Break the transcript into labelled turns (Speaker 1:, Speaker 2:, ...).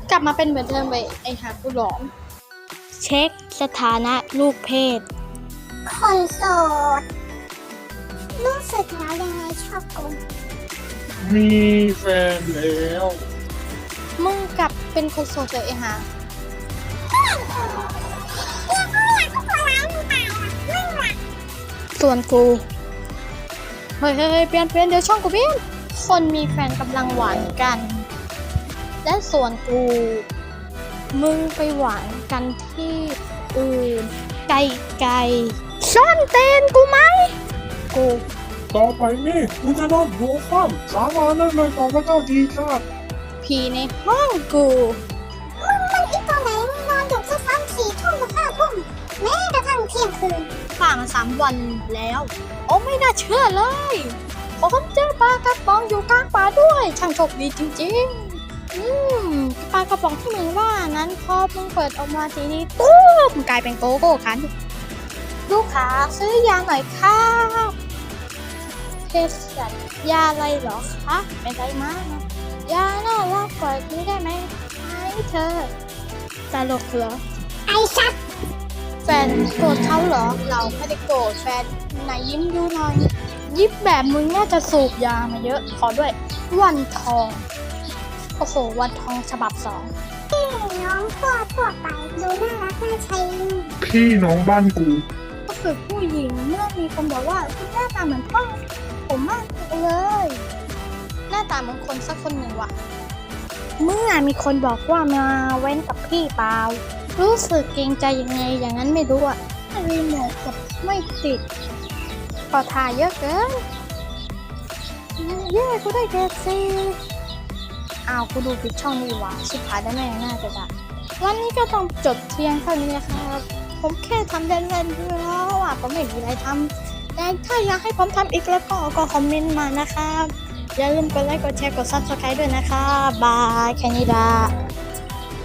Speaker 1: กลับมาเป็นเหมือนเดิมไปไอหากูหลอมเช็คสถานะลูกเพศ
Speaker 2: คนโสดรู้สึกแล้วยังไงชอบกู
Speaker 3: มีแฟนแล้ว
Speaker 1: มึงกลับเป็นคนโสดเลยไอหาส่วนกูเฮ้ยเปลี่ยนเดี๋ยวช่องกูเปลี่ยนคนมีแฟนกำลังหวานกันและส่วนกูมึงไปหวานกันที่อื่นไกลๆซ่อนเต้นกูไหมกู
Speaker 3: ต่อไปนี่กูจะโดนหัวคว่ำสาบานได้เลยต่อพระเจ้าทีชาติ
Speaker 1: ผีในห้องกู
Speaker 2: มึงมันอีกตัวไหนมึงนอนอยู่แค่3-4 ทุ่มถึง5 ทุ่มแม้กระทั่งเที่ยงคืน
Speaker 1: ผ่านมา3 วันแล้วโอ้ไม่น่าเชื่อเลยผมเจอปลากระป๋องอยู่กลางป่าด้วยช่างโชคดีจริงๆปลากระป๋องที่มึงว่านั้นพอมึงเปิดออกมาทีนี้ตู้มกลายเป็นโกโก้คันลูกค้าซื้อยาหน่อยครับเภสัชยาอะไรเหรอคะเป็นไรมากยาน่ารักกว่านี้ได้ไหมให้เธอตลกเหรอ
Speaker 2: ไอ้สัตว์
Speaker 1: แฟนโกรธเขาเหรอเราไม่ได้โกรธแฟนไหนยิ้มดูหน่อยยิ้มแบบมึงน่าจะสูบยามาเยอะขอด้วยวันทองโอ้โหวันทองฉบับ2
Speaker 2: น้องทั่วไปดูน่ารักน่าชัย
Speaker 3: พี่น้องบ้านกู
Speaker 1: ก็คือผู้หญิงเมื่อมีคนบอกว่าคุณหน้าตาเหมือนพ่อผมมากเลยหน้าตาเหมือนคนสักคนหนึ่งว่ะเมื่อมีคนบอกว่ามาเว้นกับพี่เปล่ารู้สึกเกรงใจยังไงอย่างนั้นไม่รู้อะรีโมทกดไม่ติดพอทาเยอะเกินเย้กูได้เกรดซีอ้าวกูดูผิดช่องนี่หว่าชิบหายได้แม่น่าจะได้วันนี้ก็ต้องจบเที่ยงเท่านี้นะครับผมแค่ทำเล่นๆด้วยแล้วอ่ะผมไม่มีอะไรทำแต่ถ้าอยากให้ผมทำอีกแล้วก็คอมเมนต์มานะครับอย่าลืมกดไลค์กดแชร์กด Subscribe ด้วยนะครับบายแค่นี้ละ